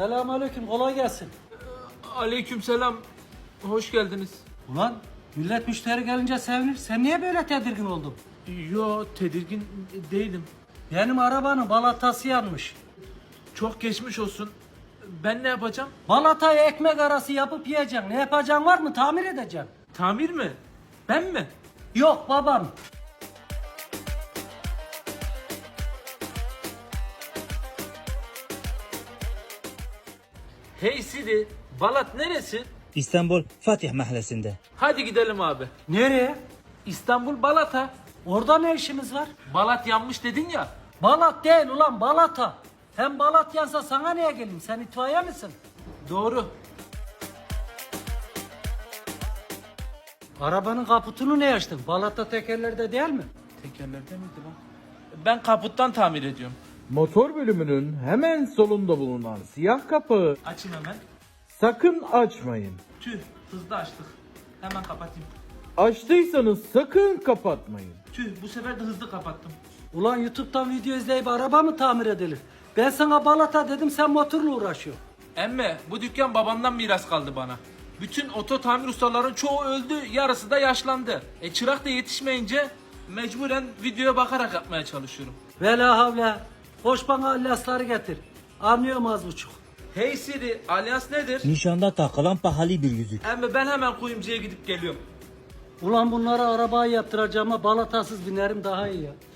Selamünaleyküm, kolay gelsin. Aleykümselam. Hoş geldiniz. Ulan millet müşteri gelince sevinir. Sen niye böyle tedirgin oldun? Yo, tedirgin değilim. Benim arabanın balatası yanmış. Çok geçmiş olsun. Ben ne yapacağım? Balatayı ekmek arası yapıp yiyeceksin. Ne yapacağın var mı? Tamir edeceksin. Tamir mi? Ben mi? Yok babam. Hey Sidi, Balat neresi? İstanbul Fatih Mahallesi'nde. Hadi gidelim abi. Nereye? İstanbul Balat'a. Orada ne işimiz var? Balat yanmış dedin ya. Balat değil ulan, balata. Hem balat yansa sana niye geleyim? Sen itfaiye misin? Doğru. Arabanın kaputunu ne açtın? Balata tekerlerde değil mi? Tekerlerde miydi lan? Ben kaputtan tamir ediyorum. Motor bölümünün hemen solunda bulunan siyah kapağı Açayım hemen. sakın açmayın. Tüh, hızlı açtık. Hemen kapatayım. Açtıysanız sakın kapatmayın. Tüh, bu sefer de hızlı kapattım. Ulan YouTube'dan video izleyip araba mı tamir edilir? Ben sana balata dedim, sen motorla uğraşıyorsun. Emme, bu dükkan babamdan miras kaldı bana. Bütün oto tamir ustaların çoğu öldü, yarısı da yaşlandı. Çırak da yetişmeyince mecburen videoya bakarak yapmaya çalışıyorum. Vela havle. Koş bana alyasları getir. Anlıyorum az buçuk. Hey Siri, alyans nedir? Nişanda takılan pahalı bir yüzük. Emme ben hemen kuyumcuya gidip geliyorum. Ulan bunlara arabayı yaptıracağıma balatasız binerim daha iyi ya.